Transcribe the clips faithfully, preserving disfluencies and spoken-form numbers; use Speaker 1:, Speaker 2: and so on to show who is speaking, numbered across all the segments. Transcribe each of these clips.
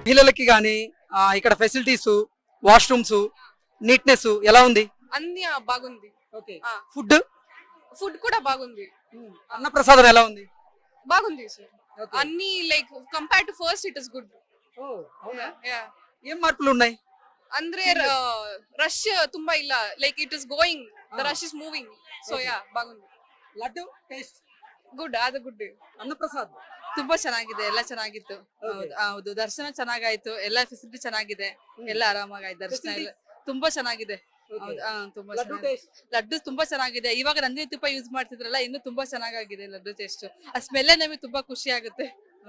Speaker 1: మహిళలకి కానీ ఇక్కడ ఫెసిలిటీస్, వాష్రూమ్స్, నీట్నెస్ ఎలా ఉంది?
Speaker 2: అన్ని ఆ, బాగుంది.
Speaker 1: ఓకే.
Speaker 2: ఆ.
Speaker 1: ఫుడ్
Speaker 2: ఫుడ్ కూడా బాగుంది.
Speaker 1: అన్నప్రసాదం ఎలా ఉంది?
Speaker 2: బాగుంది సార్. అన్ని like compare to first it is good.
Speaker 1: ఏం మార్పులు ఉన్నాయి?
Speaker 2: ಅಂದ್ರೆ రష్ ತುಂಬಾ ಇಲ್ಲ, like it is going, the rush is moving. So ya ಬಾಗುಂದಿ.
Speaker 1: లడ్డు టేస్ట్
Speaker 2: ಗುಡ್, ಅದು ಗುಡ್.
Speaker 1: ಅನ್ನಪ್ರಸಾದ
Speaker 2: ತುಂಬಾ ಚೆನ್ನಾಗಿದೆ, ಎಲ್ಲ ಚೆನ್ನಾಗಿತ್ತು. ಹೌದು, ದರ್ಶನ ಚೆನ್ನಾಗಾಯ್ತು, ಎಲ್ಲ ಫೆಸಿಲಿಟಿ ಚೆನ್ನಾಗಿದೆ, ಎಲ್ಲ ಆರಾಮಾಗಿ ದರ್ಶನ ಎಲ್ಲ ತುಂಬಾ ಚೆನ್ನಾಗಿದೆ. ಹೌದು, ತುಂಬಾ ಲಡ್ಡು ತುಂಬಾ ಚೆನ್ನಾಗಿದೆ. ಇವಾಗ ನಂದಿನಿ ತುಪ್ಪ ಯೂಸ್ ಮಾಡ್ತಿದ್ರಲ್ಲ, ಇನ್ನು ತುಂಬಾ ಚೆನ್ನಾಗಿದೆ ಲಡ್ಡು ಟೇಸ್ಟ್. ಆ ಸ್ಮೆಲ್ಲೇ ನಮಗೆ ತುಂಬಾ ಖುಷಿ ಆಗುತ್ತೆ.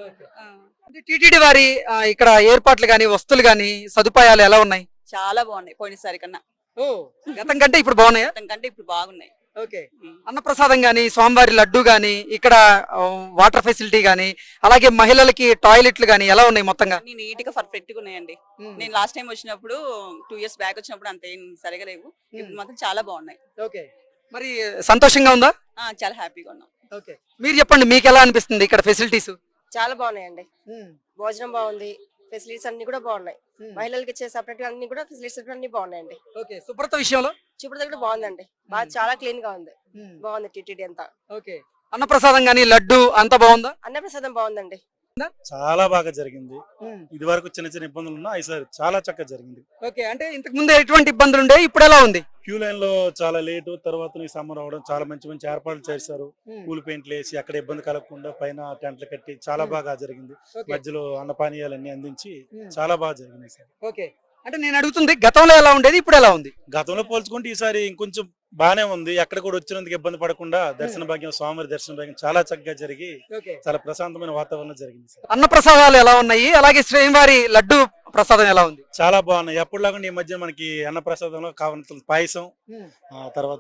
Speaker 1: టీటీడీ వారి ఇక్కడ ఏర్పాట్లు గాని, వస్తువులు గాని, సదుపాయాలు ఎలా ఉన్నాయి?
Speaker 3: చాలా బాగున్నాయి పోయినసారి కన్నా.
Speaker 1: ఓ, గతం కంటే ఇప్పుడు బాగున్నాయా?
Speaker 3: గతం కంటే ఇప్పుడు బాగున్నాయి.
Speaker 1: ఓకే. అన్నప్రసాదం గాని, స్వామివారి లడ్డు గాని, ఇక్కడ వాటర్ ఫెసిలిటీ గాని, అలాగే మహిళలకి టాయిలెట్లు గాని ఎలా ఉన్నాయి మొత్తంగా?
Speaker 3: నీట్ గా పర్ఫెక్ట్ గా ఉన్నాయండి. నేను లాస్ట్ టైం వచ్చినప్పుడు టూ ఇయర్స్ బ్యాక్ వచ్చినప్పుడు అంత ఏం సరిగా లేవు, ఇప్పుడు మాత్రం చాలా బాగున్నాయి.
Speaker 1: ఓకే. మరి సంతోషంగా ఉందా?
Speaker 3: చాలా హ్యాపీగా ఉన్నాం.
Speaker 1: ఓకే. మీరు చెప్పండి, మీకు ఎలా అనిపిస్తుంది ఇక్కడ ఫెసిలిటీస్?
Speaker 4: చాలా బాగున్నాయండి. భోజనం బాగుంది, ఫెసిలిటీస్ అన్ని కూడా బాగున్నాయి. మహిళలకు ఇచ్చే సపరేట్ అన్ని కూడా ఫెసిలిటీస్ అన్ని బాగున్నాయండి.
Speaker 1: ఓకే. శుభ్రత విషయంలో
Speaker 4: శుభ్రత కూడా బాగుందండి, బాగా చాలా క్లీన్ గా ఉంది, బాగుంది టీటీడీ అంతా.
Speaker 1: ఓకే. అన్నప్రసాదం గానీ, లడ్డు అంతా బాగుందా?
Speaker 4: అన్నప్రసాదం బాగుందండి,
Speaker 5: చాలా బాగా జరిగింది. ఇది వరకు చిన్న చిన్న ఇబ్బందులు ఉన్నా ఈసారి చాలా చక్కగా జరిగింది.
Speaker 1: ఓకే. అంటే ఇంతకు ముందు ఎటువంటి ఇబ్బందులు ఉండే, ఇప్పుడు ఎలా ఉంది?
Speaker 5: క్యూ లైన్ లో చాలా లేటు, తర్వాత సమ్మర్ అవడం, చాలా మంచి మంచి ఏర్పాట్లు చేశారు. కూల్ పెయింట్లు వేసి అక్కడ ఇబ్బంది కలగకుండా పైన టెంట్లు కట్టి చాలా బాగా జరిగింది. మధ్యలో అన్నపానీయాలన్నీ అందించి చాలా బాగా జరిగింది సార్.
Speaker 1: ఓకే. అంటే నేను అడుగుతుంది, గతంలో ఎలా ఉండేది, ఇప్పుడు ఎలా ఉంది?
Speaker 5: గతంలో పోల్చుకుంటే ఈసారి ఇంకొంచెం బానే ఉంది. ఎక్కడ కూడా వచ్చినందుకు ఇబ్బంది పడకుండా దర్శన భాగ్యం, స్వామివారి దర్శన భాగ్యం చాలా చక్కగా జరిగి చాలా ప్రశాంతమైన వాతావరణం జరిగింది సార్.
Speaker 1: అన్న ప్రసాదాలు ఎలా ఉన్నాయి, అలాగే శ్రీవారి లడ్డు ప్రసాదం ఎలా ఉంది?
Speaker 5: చాలా బాగున్నాయి. ఎప్పుడులాగా ఈ మధ్య మనకి అన్న ప్రసాదంలో కావాల్సిన పాయసం, తర్వాత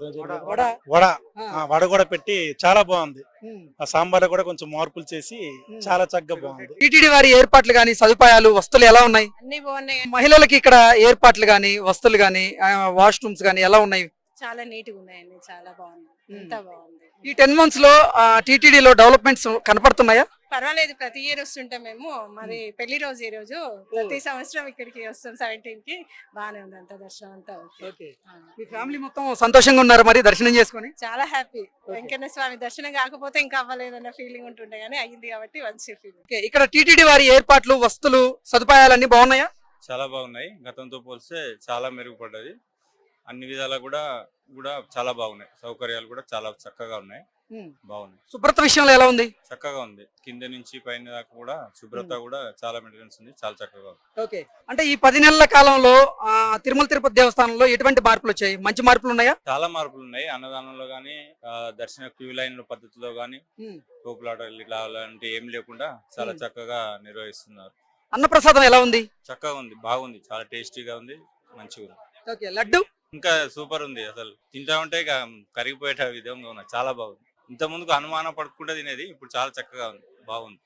Speaker 5: వడ వడ కూడా పెట్టి చాలా బాగుంది. ఆ సాంబార్ కూడా కొంచెం మార్పులు చేసి చాలా చక్కగా బాగుంది.
Speaker 1: టీటీడీ వారి ఏర్పాట్లు గాని, సదుపాయాలు, వస్తువులు ఎలా ఉన్నాయి?
Speaker 2: అన్ని బాగున్నాయి.
Speaker 1: మహిళలకి ఇక్కడ ఏర్పాట్లు గాని, వస్తువులు గాని, వాష్రూమ్స్ గాని ఎలా ఉన్నాయి?
Speaker 2: చాలా నీట్ గా ఉన్నాయండి, చాలా బాగుంది, అంతా బాగుంది.
Speaker 1: ఈ టెన్ మంత్స్ లో టీటీడీలో డెవలప్మెంట్స్ కనపడుతున్నాయా?
Speaker 2: పర్వాలేదు, ప్రతి ఇయర్ వస్తుంటాం మేము. మరి పెళ్లి రోజు ఈ రోజు ప్రతి సంవత్సరం ఇక్కడికి వస్తాం సెవెంటీన్ కి. బాగానే ఉంది అంత దర్శనం అంతా.
Speaker 1: ఓకే. మీ ఫ్యామిలీ మొత్తం సంతోషంగా ఉన్నారు మరి దర్శనం చేసుకుని?
Speaker 2: చాలా హ్యాపీ. వెంకన్న స్వామి దర్శనం కాకపోతే ఇంకా అవ్వలేదన్న ఫీలింగ్ ఉంటుండే, కానీ అయ్యింది కాబట్టి మంచి ఫీలింగ్.
Speaker 1: ఇక్కడ టీటీడీ వారి ఏర్పాట్లు, వస్తువులు, సదుపాయాలన్నీ బాగున్నాయా?
Speaker 6: చాలా బాగున్నాయి. గతంతో పోలిస్తే చాలా మెరుగుపడ్డది. అన్ని విధాలా కూడా కూడా చాలా బాగున్నాయి. సౌకర్యాలు కూడా చాలా చక్కగా ఉన్నాయి, బాగున్నాయి.
Speaker 1: శుభ్రత విషయంలో ఎలా ఉంది?
Speaker 6: చక్కగా ఉంది. కింద నుంచి పైన దాకా కూడా శుభ్రత కూడా చాలా మెయింటెనెన్స్ ఉంది, చాలా చక్కగా ఉంది.
Speaker 1: ఓకే. అంటే ఈ పది నెలల కాలంలో తిరుమల తిరుపతి దేవస్థానంలో ఎటువంటి మార్పులు వచ్చాయి? మంచి మార్పులు ఉన్నాయా?
Speaker 6: చాలా మార్పులు ఉన్నాయి. అన్నదానంలో గానీ, దర్శన క్యూ లైన్ పద్ధతిలో గానీ, తోపులాటలు ఇట్లా అలాంటి ఏం లేకుండా చాలా చక్కగా నిర్వహిస్తున్నారు.
Speaker 1: అన్నప్రసాదం ఎలా ఉంది?
Speaker 6: చక్కగా ఉంది, బాగుంది, చాలా టేస్టీగా ఉంది, మంచిగా ఉంది.
Speaker 1: ఓకే. లడ్డు
Speaker 6: ఇంకా సూపర్ ఉంది. అసలు తింటా ఉంటే కరిగిపోయే విధంగా ఉన్నాయి, చాలా బాగుంది. ఇంత ముందుకు అనుమానం పడుకుంటే తినేది, ఇప్పుడు చాలా చక్కగా ఉంది, బాగుంది.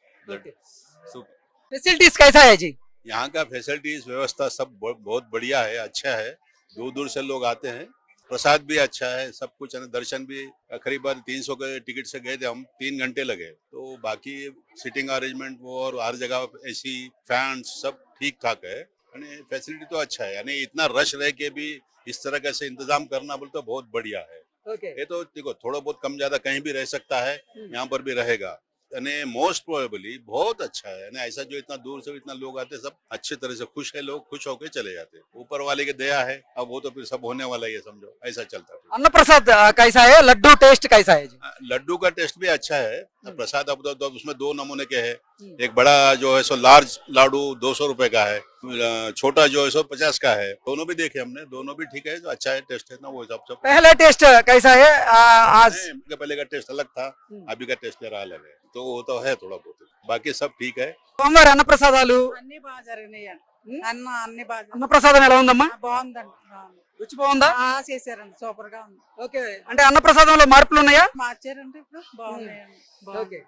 Speaker 6: సూపర్.
Speaker 1: फैसिलिटीज कैसा है जी?
Speaker 7: यहाँ का फैसिलिटीज व्यवस्था सब बहुत बढ़िया है, अच्छा है. दूर दूर से लोग आते हैं. प्रसाद भी अच्छा है, सब कुछ है. दर्शन भी करीबन तीन सौ के टिकट से गए थे हम, तीन घंटे लगे. तो बाकी सिटिंग अरेंजमेंट वो और हर जगह एसी, फैंस सब ठीक ठाक है. यानी फैसिलिटी तो अच्छा है. यानी इतना रश रह के भी इस तरह का से इंतजाम करना बोले तो बहुत बढ़िया है.
Speaker 1: okay.
Speaker 7: ये तो देखो थोड़ा बहुत कम ज्यादा कहीं भी रह सकता है, यहाँ पर भी रहेगा. यानी मोस्ट प्रोबेबली बहुत अच्छा है. यानी ऐसा जो इतना दूर से इतना लोग आते हैं, सब अच्छे तरह से खुश है, लोग खुश होकर चले जाते हैं. ऊपर वाले की दया है, अब वो तो फिर सब होने वाला है, समझो ऐसा चलता है.
Speaker 1: अन्न प्रसाद कैसा है? लड्डू टेस्ट कैसा है जी?
Speaker 7: लड्डू का टेस्ट भी अच्छा है. प्रसाद अब तो, तो उसमें दो नमूने के है. एक बड़ा जो है सो लार्ज लाडू दो सौ रुपए का है, छोटा जो है सो पचास का है. दोनों भी देखे हमने, दोनों भी ठीक है, जो अच्छा है टेस्ट है ना वो हिसाब से.
Speaker 1: पहला टेस्ट कैसा है आज?
Speaker 7: पहले का टेस्ट अलग था, अभी का टेस्ट जरा अलग है. तो वो तो है थोड़ा बहुत, बाकी सब ठीक है.
Speaker 1: సోమవారం అన్న ప్రసాదాలు
Speaker 3: అన్ని బాగా జరిగినాయి. అన్న అన్ని బాగా
Speaker 1: అన్న ప్రసాదం ఎలా ఉందమ్మా?
Speaker 3: బాగుందండి,
Speaker 1: రుచి బాగుందా?
Speaker 3: చేశారండి, సూపర్ గా ఉంది.
Speaker 1: ఓకే. అంటే అన్న ప్రసాదంలో మార్పులు ఉన్నాయా?
Speaker 3: మార్చారంటే ఇప్పుడు బాగున్నాయండి.
Speaker 1: ఓకే.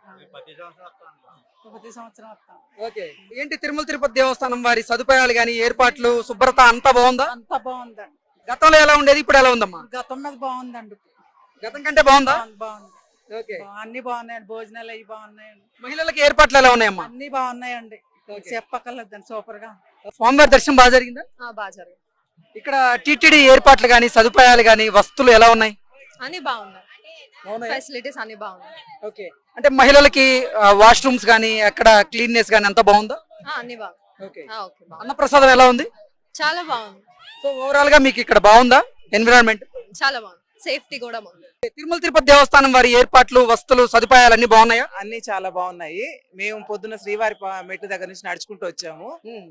Speaker 3: ప్రతి సంవత్సరం వస్తాం.
Speaker 1: ఓకే. ఏంటి తిరుమల తిరుపతి దేవస్థానం వారి సదుపాయాలు గాని, ఏర్పాట్లు, శుభ్రత అంతా బాగుందా?
Speaker 3: అంతా బాగుందండి.
Speaker 1: గతంలో ఎలా ఉండేది, ఇప్పుడు ఎలా ఉందమ్మా?
Speaker 3: గతం మీద బాగుందండి,
Speaker 1: గతం కంటే బాగుందా?
Speaker 3: బాగుంది.
Speaker 1: ఓకే.
Speaker 3: అన్ని బాగున్నాయండి, భోజనాలు అవి బాగున్నాయండి.
Speaker 1: మహిళలకి ఏర్పాట్లు ఎలా ఉన్నాయమ్మా?
Speaker 3: అన్ని బాగున్నాయండి.
Speaker 2: చెప్పక్కర్లేదండి, సూపర్ గా
Speaker 1: స్వామివారి దర్శనం బాగా జరిగిందా?
Speaker 2: బాగా జరిగింది.
Speaker 1: ఇక్కడ టీటీడీ ఏర్పాట్లు గాని సదుపాయాలు గాని వస్తువులు ఎలా ఉన్నాయి?
Speaker 2: అన్ని బాగున్నాయి, ఫెసిలిటీస్ అన్ని బాగున్నాయి.
Speaker 1: ఓకే, అంటే మహిళలకి వాష్రూమ్స్ గానీ అక్కడ క్లీన్నెస్ గానీ అంతా బాగుందా?
Speaker 2: అన్ని బాగుంది.
Speaker 1: ఓకే,
Speaker 2: ఓకే,
Speaker 1: అన్నప్రసాదం ఎలా ఉంది?
Speaker 2: చాలా బాగుంది.
Speaker 1: సో ఓవరాల్ గా మీకు ఇక్కడ బాగుందా ఎన్విరాన్మెంట్?
Speaker 2: చాలా బాగుంది, సేఫ్టీ కూడా బాగుంది.
Speaker 1: తిరుమల తిరుపతి దేవస్థానం వారి ఏర్పాట్లు వస్తువులు సదుపాయాలు అన్ని బాగున్నాయా?
Speaker 8: అన్ని చాలా బాగున్నాయి. మేము పొద్దున్న శ్రీవారి పా- మెట్టు దగ్గర నుంచి నడుచుకుంటూ వచ్చాము.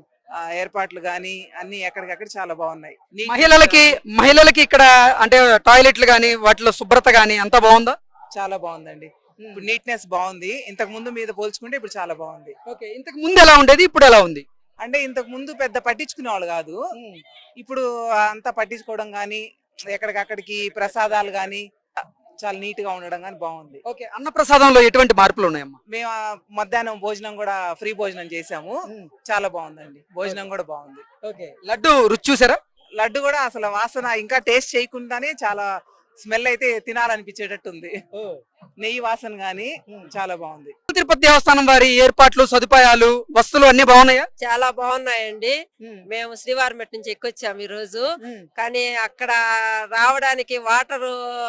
Speaker 8: ఆ ఏర్పాట్లు గానీ అన్ని ఎక్కడికక్కడ చాలా బాగున్నాయి. నీట్
Speaker 1: మహిళలకి మహిళలకి ఇక్కడ అంటే టాయిలెట్లు గానీ వాటిలో శుభ్రత గానీ అంతా బాగుందా?
Speaker 8: చాలా బాగుందండి. ఇప్పుడు నీట్నెస్ బాగుంది. ఇంతకు ముందు మీద పోల్చుకుంటే ఇప్పుడు చాలా బాగుంది.
Speaker 1: ఓకే, ఇంతకు ముందు ఎలా ఉండేది, ఇప్పుడు ఎలా ఉంది?
Speaker 8: అంటే ఇంతకు ముందు పెద్ద పట్టించుకునే వాళ్ళు కాదు, ఇప్పుడు అంతా పట్టించుకోవడం గానీ ఎక్కడికక్కడికి ప్రసాదాలు గానీ చాలా నీట్ గా ఉండడం గానీ బాగుంది.
Speaker 1: ఓకే, అన్నప్రసాదంలో ఎటువంటి మార్పులు ఉన్నాయమ్మా?
Speaker 8: మేము ఆ మధ్యాహ్నం భోజనం కూడా ఫ్రీ భోజనం చేసాము. చాలా బాగుందండి, భోజనం కూడా బాగుంది.
Speaker 1: ఓకే, లడ్డు రుచి చూసారా?
Speaker 8: లడ్డు కూడా అసలు వాసన ఇంకా టేస్ట్ చేయకుండానే చాలా స్మెల్ అయితే తినాలనిపించేటట్టు ఉంది. నెయ్యి వాసన గానీ చాలా బాగుంది.
Speaker 1: తిరుపతి దేవస్థానం వారి ఏర్పాట్లు సదుపాయాలు వస్తువులు అన్ని బాగున్నాయా?
Speaker 4: చాలా బాగున్నాయండి. మేము శ్రీవారిమెట్ నుంచి ఎక్కొచ్చాము ఈ రోజు. కానీ అక్కడ రావడానికి వాటర్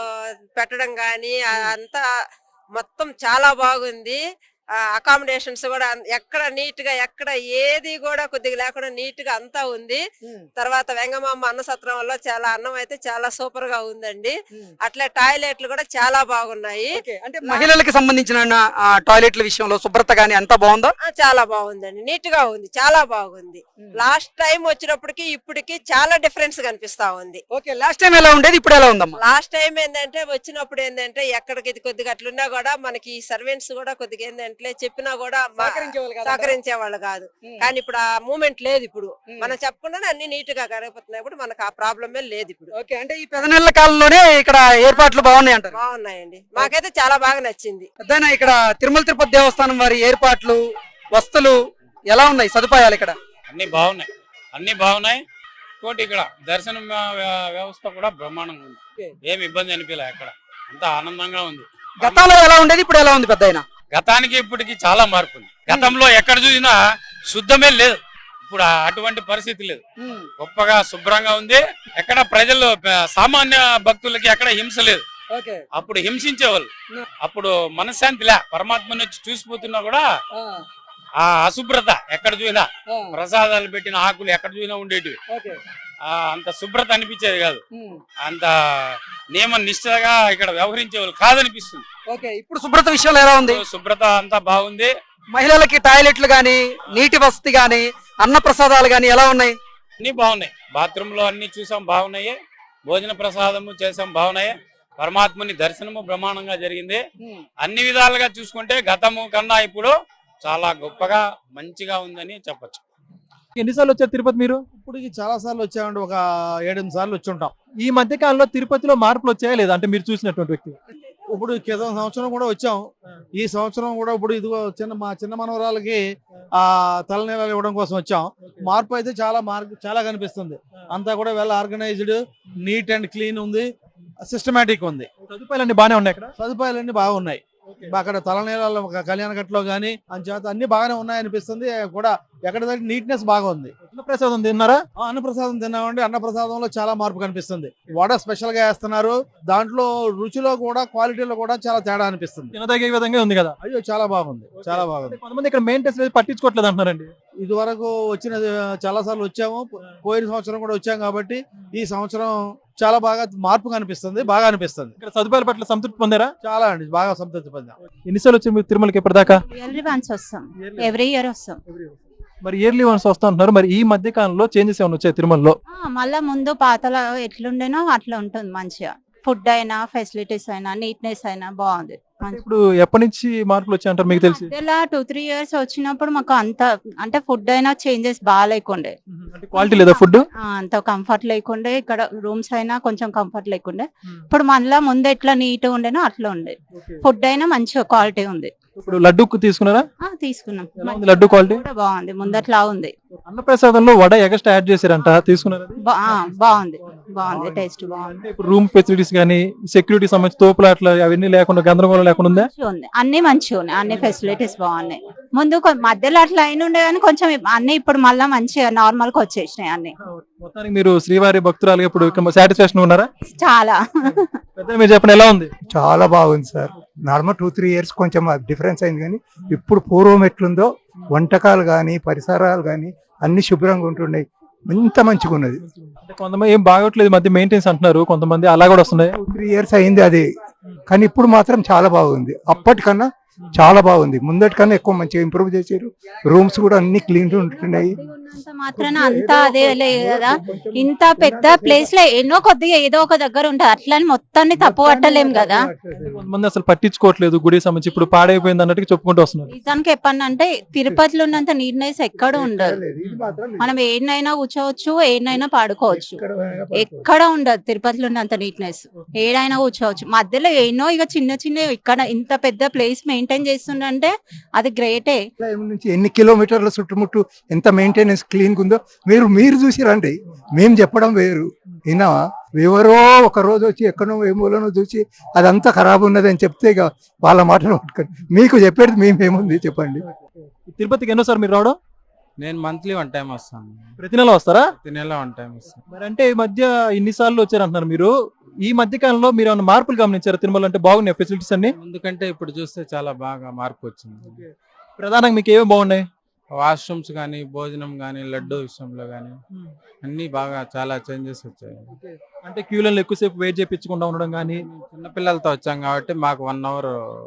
Speaker 4: పెట్టడం గానీ అంతా మొత్తం చాలా బాగుంది. అకామిడేషన్స్ కూడా ఎక్కడ నీట్ గా ఎక్కడ ఏది కూడా కొద్దిగా లేకుండా నీట్ గా అంతా ఉంది. తర్వాత వెంగమాంబ అన్న సత్రంలో చాలా అన్నం అయితే చాలా సూపర్ గా ఉందండి. అట్లే టాయిలెట్లు కూడా చాలా బాగున్నాయి.
Speaker 1: అంటే మహిళలకు సంబంధించిన టాయిలెట్ల విషయంలో శుభ్రత గానీ అంతా బాగుందా?
Speaker 4: ఆ, చాలా బాగుందండి, నీట్ గా ఉంది, చాలా బాగుంది. లాస్ట్ టైం వచ్చినప్పటికి ఇప్పటికి చాలా డిఫరెన్స్ కనిపిస్తా ఉంది.
Speaker 1: ఓకే, లాస్ట్ టైం ఎలా ఉండేది, ఇప్పుడు ఎలా ఉందమ్మా?
Speaker 4: లాస్ట్ టైం ఏంటంటే వచ్చినప్పుడు ఏంటంటే ఎక్కడికి ఇది కొద్దిగా అట్లున్నా కూడా మనకి సర్వెంట్స్ కూడా కొద్దిగా ఏంటంటే చెప్పినా కూడా మా- సహకరించే వాళ్ళు కాదు. కానీ ఇప్పుడు ఆ మూమెంట్ లేదు. ఇప్పుడు మనం చెప్పకుండానే అన్ని నీట్ గా గడిపోతున్నాయి. ఇప్పుడు మనకు ఆ ప్రాబ్లమే లేదు ఇప్పుడు.
Speaker 1: ఓకే, అంటే ఈ పెద్ద నెలల కాలంలోనే ఇక్కడ ఏర్పాట్లు బాగున్నాయి అంటారు?
Speaker 4: బాగున్నాయండి, మాకైతే చాలా బాగా నచ్చింది.
Speaker 1: పెద్దయినా ఇక్కడ తిరుమల తిరుపతి దేవస్థానం వారి ఏర్పాట్లు వస్తువులు ఎలా ఉన్నాయి, సదుపాయాలు ఇక్కడ?
Speaker 9: అన్ని బాగున్నాయి, అన్ని బాగున్నాయి. ఇంకోటి ఇక్కడ దర్శనం వ్య- వ్యవస్థ కూడా బ్రహ్మాండంగా ఉంది. ఏమి ఇబ్బంది అనిపించలే, అక్కడ అంతా ఆనందంగా ఉంది.
Speaker 1: గతంలో ఎలా ఉండేది, ఇప్పుడు ఎలా ఉంది పెద్దయినా?
Speaker 9: గతానికి ఇప్పటికి చాలా మార్పు ఉంది. గతంలో ఎక్కడ చూసినా శుద్ధమే లేదు, ఇప్పుడు ఆ- అటువంటి పరిస్థితి లేదు. గొప్పగా శుభ్రంగా ఉంది. ఎక్కడ ప్రజలు ప- సామాన్య భక్తులకి ఎక్కడ హింస లేదు. అప్పుడు హింసించేవాళ్ళు, అప్పుడు మనశ్శాంతి లే. పరమాత్మని వచ్చి చూసిపోతున్నా కూడా ఆ అశుభ్రత ఎక్కడ చూసినా, ప్రసాదాలు పెట్టిన ఆకులు ఎక్కడ చూసినా ఉండేటివి. ఆ అంత శుభ్రత అనిపించేది కాదు, అంత నియమ నిష్ఠగా ఇక్కడ వ్యవహరించేవాళ్ళు కాదనిపిస్తుంది.
Speaker 1: ఓకే, ఇప్పుడు శుభ్రత విషయంలో ఎలా ఉంది?
Speaker 9: శుభ్రత అంతా బాగుంది.
Speaker 1: మహిళలకి టాయిలెట్లు గానీ నీటి వసతి గానీ అన్న ప్రసాదాలు గానీ ఎలా ఉన్నాయి?
Speaker 9: అన్ని బాగున్నాయి. బాత్రూమ్ లో అన్ని చూసాం, బాగున్నాయి. భోజన ప్రసాదము చేసాం, బాగున్నాయి. పరమాత్మని దర్శనము బ్రహ్మాండంగా జరిగింది. అన్ని విధాలుగా చూసుకుంటే గతము కన్నా ఇప్పుడు చాలా గొప్పగా మంచిగా ఉందని చెప్పొచ్చు.
Speaker 10: ఎన్నిసార్లు వచ్చారు తిరుపతి మీరు?
Speaker 11: ఇప్పటికి చాలా సార్లు వచ్చామండి, ఒక ఏడెనిమిది సార్లు వచ్చి ఉంటాం.
Speaker 10: ఈ మధ్య కాలంలో తిరుపతిలో మార్పులు వచ్చాయా లేదా, అంటే మీరు చూసినటువంటి వ్యక్తి?
Speaker 11: ఇప్పుడు క్రితం సంవత్సరం కూడా వచ్చాం. ఈ సంవత్సరం కూడా ఇప్పుడు ఇదిగో చిన్న మా చిన్న మనవరాలకి ఆ తలనీలాలు ఇవ్వడం కోసం వచ్చాం. మార్పు అయితే చాలా మార్పు చాలా కనిపిస్తుంది. అంతా కూడా well organised, neat and clean ఉంది, సిస్టమేటిక్ ఉంది.
Speaker 10: సదుపాయాలన్నీ బాగానే ఉన్నాయి ఇక్కడ?
Speaker 11: సదుపాయాలన్నీ బాగున్నాయి. అక్కడ తలనీలాల కళ్యాణ గట్లో గానీ అంచేత అన్ని బాగానే ఉన్నాయనిపిస్తుంది. కూడా ఎక్కడ నీట్నెస్ బాగా ఉంది.
Speaker 10: అన్నప్రసాదం తిన్నారా?
Speaker 11: ఆ, అన్నప్రసాదం తిన్నామండి. అన్నప్రసాదంలో చాలా మార్పు కనిపిస్తుంది. వడ స్పెషల్ గా వేస్తున్నారు. దాంట్లో రుచిలో కూడా క్వాలిటీలో కూడా చాలా తేడా అనిపిస్తుంది.
Speaker 10: తినదగే విధంగా ఉంది కదా?
Speaker 11: అయ్యో చాలా బాగుంది, చాలా బాగుంది.
Speaker 10: కొంతమంది ఇక్కడ మెయింటెనెన్స్ పట్టించుకోవట్లేదు అంటున్నారండి.
Speaker 11: ఇది వరకు వచ్చిన చాలా సార్లు వచ్చాము, పోయిన సంవత్సరం కూడా వచ్చాం కాబట్టి ఈ సంవత్సరం చాలా బాగా మార్పు కనిపిస్తుంది, బాగా అనిపిస్తుంది.
Speaker 10: ఇక్కడ సదుపాయాల పట్ల సంతృప్తి పొందారా?
Speaker 11: చాలా అండి, బాగా సంతృప్తి పొందాం.
Speaker 10: ఎన్నిసార్లు వచ్చి మీరు తిరుమలకి ఇప్పటిదాకా?
Speaker 12: ఇయర్లీ వన్స్ వస్తాం, ఎవ్రీ ఇయర్ వస్తాం.
Speaker 10: మరి ఇయర్లీ వన్స్ వస్తా అంటున్నారు, మరి ఈ మధ్య కాలంలో చేంజెస్ ఏమైనా వచ్చాయి తిరుమలలో?
Speaker 12: ఆ, మళ్ళా ముందు పాతలో ఎట్లుండేనో అట్లా ఉంటుంది. మంచిగా ఫుడ్ అయినా ఫెసిలిటీస్ అయినా నీట్నెస్ అయినా బాగుంది.
Speaker 10: ఇప్పుడు ఎప్పటి నుంచి మార్పులు వచ్చాయి అంటారు మీకు తెలిసి?
Speaker 12: ఇలా టూ త్రీ ఇయర్స్ వచ్చినప్పుడు మాకు అంత అంటే ఫుడ్ అయినా చేంజెస్ బాగా లేకుండే,
Speaker 10: క్వాలిటీ లేదా ఫుడ్?
Speaker 12: అంత కంఫర్ట్ లేకుండే. ఇక్కడ రూమ్స్ అయినా కొంచెం కంఫర్ట్ లేకుండే. ఇప్పుడు మళ్ళా ముందు ఎట్లా నీట్ ఉండేనో అట్లా ఉండే. ఫుడ్ అయినా మంచిగా క్వాలిటీ ఉంది.
Speaker 10: ఇప్పుడు లడ్డు తీసుకున్నారా?
Speaker 12: ఆ, తీసుకున్నాం.
Speaker 10: లడ్డు క్వాలిటీ
Speaker 12: కూడా బాగుంది, ముందట్లా ఉంది.
Speaker 10: అన్నప్రసాదంలో వడ ఎగస్ట్రా యాడ్ చేశారంట, తీసుకున్నారా?
Speaker 12: బా- ఆ, బాగుంది. బాగుంది, టేస్ట్ బాగుంది.
Speaker 10: అంటే ఇప్పుడు రూమ్ ఫెసిలిటీస్ కానీ సెక్యూరిటీ సంబంధించి తోపులాట్లు అవన్నీ లేకుండా గందరగోళం లేకుండా ఉందా?
Speaker 12: మంచిగా ఉంది, అన్ని మంచిగా ఉన్నాయి, అన్ని ఫెసిలిటీస్ బాగున్నాయి. ముందు కొ- మధ్యలో అట్లా అయిన ఉండే కానీ కొంచెం అన్ని ఇప్పుడు మళ్ళీ మంచిగా నార్మల్ గా వచ్చేసినాయి అన్ని.
Speaker 10: మొత్తానికి మీరు శ్రీవారి భక్తురాలు ఇప్పుడు సాటిస్ఫాక్షన్ ఉన్నారా?
Speaker 12: చాలా
Speaker 10: పెద్ద మీరు చెప్పండి ఎలా ఉంది?
Speaker 13: చాలా బాగుంది sir. Normal two three years కొంచెం డిఫరెన్స్ అయింది కానీ ఇప్పుడు పూర్వం ఎట్లుందో వంటకాలు కానీ పరిసరాలు కానీ అన్ని శుభ్రంగా ఉంటున్నాయి. ఇంత మంచిగా ఉన్నది.
Speaker 10: అంటే కొంతమంది ఏం బాగోట్లేదు ఈ మధ్య మెయింటెన్స్ అంటున్నారు, కొంతమంది అలా కూడా వస్తున్నాయి.
Speaker 13: టూ త్రీ ఇయర్స్ అయింది అది, కానీ ఇప్పుడు మాత్రం చాలా బాగుంది. అప్పటికన్నా చాలా బాగుంది. ముందటికన్నా ఎక్కువ మంచిగా ఇంప్రూవ్ చేశారు. రూమ్స్ కూడా అన్ని క్లీన్ ఉంటున్నాయి.
Speaker 12: ఉన్నంత మాత్రాన అంతా అదే లేదు కదా. ఇంత పెద్ద ప్లేస్ లో ఎన్నో కొద్దిగా ఏదో ఒక దగ్గర ఉంటది, అట్లని మొత్తాన్ని తప్పు పట్టలేం కదా.
Speaker 10: కొంతమంది అసలు పట్టించుకోవట్లేదు గుడి సంబంధించి, ఇప్పుడు పాడైపోయింది అన్నట్టు చెప్పుకుంటూ వస్తున్నారు.
Speaker 12: నిజానికి చెప్పానంటే తిరుపతిలో ఉన్నంత నీట్నెస్ ఎక్కడ ఉండదు. మనం ఏడైనా కూర్చోవచ్చు, ఏడైనా పాడుకోవచ్చు, ఎక్కడ ఉండదు తిరుపతిలో ఉన్నంత నీట్నెస్. ఏడైనా కూర్చోవచ్చు, మధ్యలో ఎన్నో ఇక చిన్న చిన్న ఇక్కడ ఇంత పెద్ద ప్లేస్ మెయింటైన్ చేస్తుండంటే అది గ్రేటే.
Speaker 13: నుంచి ఎన్ని కిలోమీటర్ల చుట్టుముట్టు ఎంత మెయింటెనెన్స్ క్లీన్ ఉందో మీరు మీరు చూసి రండి. మేము చెప్పడం వేరు, అయినా ఎవరో ఒక రోజు వచ్చి ఎక్కడో ఏమోనో చూసి అదంతా ఖరాబ్ ఉన్నది అని చెప్తే ఇక వాళ్ళ మాటలు పట్టుకోండి. మీకు చెప్పేది మేమేముంది చెప్పండి.
Speaker 10: తిరుపతికి ఎన్నోసారి మీరు రావడం?
Speaker 14: నేను మంత్లీ వన్ టైం వస్తాను.
Speaker 10: ప్రతి నెల వస్తారా?
Speaker 14: ప్రతి నెల వన్ టైం వస్తాను.
Speaker 10: మరి అంటే ఈ మధ్య ఇన్నిసార్లు వచ్చారంటున్నారు మీరు, ఈ మధ్య కాలంలో మీరు ఏమైనా మార్పులు గమనించారు తిరుమల? అంటే బాగున్నాయి ఫెసిలిటీస్ అన్ని?
Speaker 14: ఎందుకంటే ఇప్పుడు చూస్తే చాలా బాగా మార్పు వచ్చింది.
Speaker 10: ప్రధానంగా మీకు ఏమేమి బాగున్నాయి?
Speaker 14: వాష్రూమ్స్ కానీ, భోజనం కానీ, లడ్డు విషయంలో కానీ అన్ని బాగా చాలా చేంజెస్ వచ్చాయి.
Speaker 10: అంటే క్యూలలో ఎక్కువసేపు వెయిట్ చేయించకుండా ఉండడం కానీ.
Speaker 14: చిన్నపిల్లలతో వచ్చాం కాబట్టి మాకు వన్ అవర్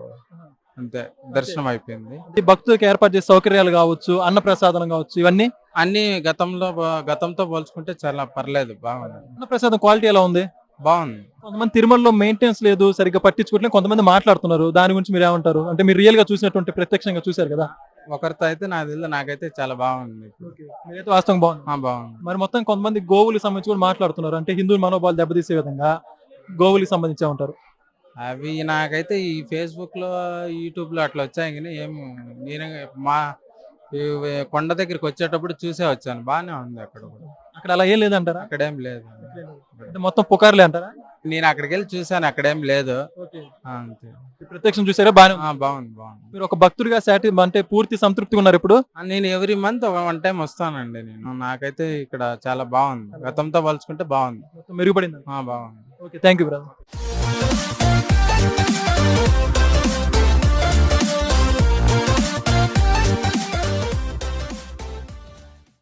Speaker 14: అంతే దర్శనం అయిపోయింది.
Speaker 10: ఈ భక్తులకు ఏర్పాటు చేసే సౌకర్యాలు కావచ్చు, అన్న ప్రసాదం కావచ్చు, ఇవన్నీ
Speaker 14: అన్ని గతంలో గతంతో పోల్చుకుంటే చాలా పర్లేదు, బాగుంది.
Speaker 10: అన్న ప్రసాదం క్వాలిటీ ఎలా ఉంది?
Speaker 14: బాగుంది.
Speaker 10: కొంతమంది తిరుమలలో మెయింటెనెన్స్ లేదు, సరిగ్గా పట్టించుకోవట్లేదు కొంతమంది మాట్లాడుతున్నారు. దాని గురించి మీరు ఏమంటారు? అంటే మీరు రియల్ గా చూసినటువంటి ప్రత్యక్షంగా చూశారు కదా.
Speaker 14: ఒకరితో అయితే నాకు తెలియదు, నాకైతే చాలా బాగుంది.
Speaker 10: మీరైతే వాస్తవం బాగుంది.
Speaker 14: ఆ, బాగుంది.
Speaker 10: మరి మొత్తం కొంతమంది గోవులకు సంబంధించి కూడా మాట్లాడుతున్నారు, అంటే హిందూ మనోభావాలు దెబ్బతీసే విధంగా గోవులకు సంబంధించే ఉంటారు.
Speaker 14: అవి నాకైతే ఈ ఫేస్బుక్ లో, యూట్యూబ్ లో అట్లా వచ్చాయి కానీ ఏం నేను మా ఈ కొండ దగ్గరికి వచ్చేటప్పుడు చూసే వచ్చాను, బాగానే ఉంది. అక్కడ కూడా
Speaker 10: అక్కడ అలా ఏం లేదంటారా?
Speaker 14: అక్కడ ఏం లేదు,
Speaker 10: అంటే మొత్తం పుకార్లే అంటారా?
Speaker 14: నేను అక్కడికి వెళ్ళి చూసాను, అక్కడేం లేదు. ఆ, అంతే.
Speaker 10: ప్రత్యక్షం చూసారా? బాగా
Speaker 14: ఆ, బాగుంది బాగుంది.
Speaker 10: మీరు ఒక భక్తుడిగా సాటి అంటే పూర్తి సంతృప్తిగా ఉన్నారు ఇప్పుడు?
Speaker 14: ఆ, నేను ఎవ్రీ మంత్ వన్ టైం వస్తానండి. నేను నాకైతే ఇక్కడ చాలా బాగుంది, గతంతో పోల్చుకుంటే బాగుంది,
Speaker 10: మెరుగుపడింది.
Speaker 14: ఆ, బాగుంది.
Speaker 10: Okay, thank you brother.